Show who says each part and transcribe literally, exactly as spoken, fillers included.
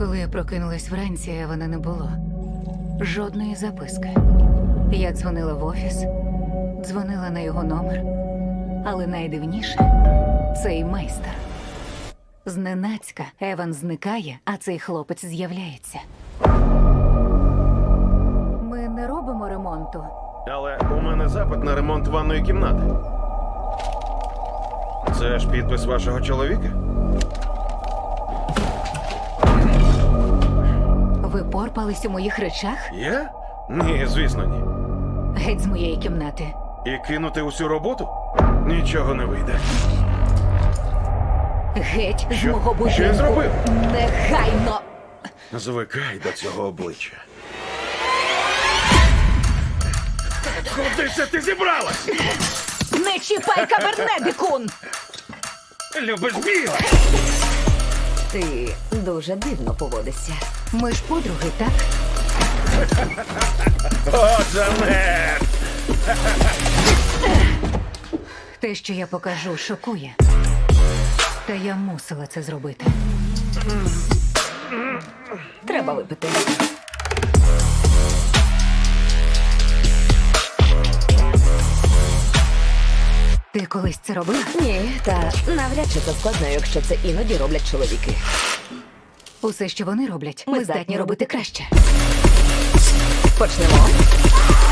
Speaker 1: Коли я прокинулась вранці, Евана не було. Жодної записки. Я дзвонила в офіс, дзвонила на його номер. Але найдивніше – цей майстер. Зненацька Еван зникає, а цей хлопець з'являється. Ми не робимо ремонту.
Speaker 2: Але у мене запит на ремонт ванної кімнати. Це ж підпис вашого чоловіка?
Speaker 1: Ви порпались у моїх речах?
Speaker 2: Я? Ні, звісно, ні.
Speaker 1: Геть з моєї кімнати.
Speaker 2: І кинути усю роботу? Нічого не вийде.
Speaker 1: Геть з
Speaker 2: Що?
Speaker 1: мого будинку.
Speaker 2: Що я зробив?
Speaker 1: Негайно!
Speaker 2: Звикай до цього обличчя. Куди це ти зібралась?
Speaker 1: Не чіпай кабернедикун!
Speaker 2: Любиш біле?
Speaker 3: Ти дуже дивно поводишся.
Speaker 1: Ми ж подруги, так?
Speaker 2: О, Джанет!
Speaker 1: Те, що я покажу, шокує. Та я мусила це зробити.
Speaker 3: Треба випити.
Speaker 1: Ти колись це робила?
Speaker 3: Ні, та навряд чи це складно, якщо це іноді роблять чоловіки.
Speaker 1: Усе, що вони роблять, ми, здатні робити краще.
Speaker 3: Почнемо.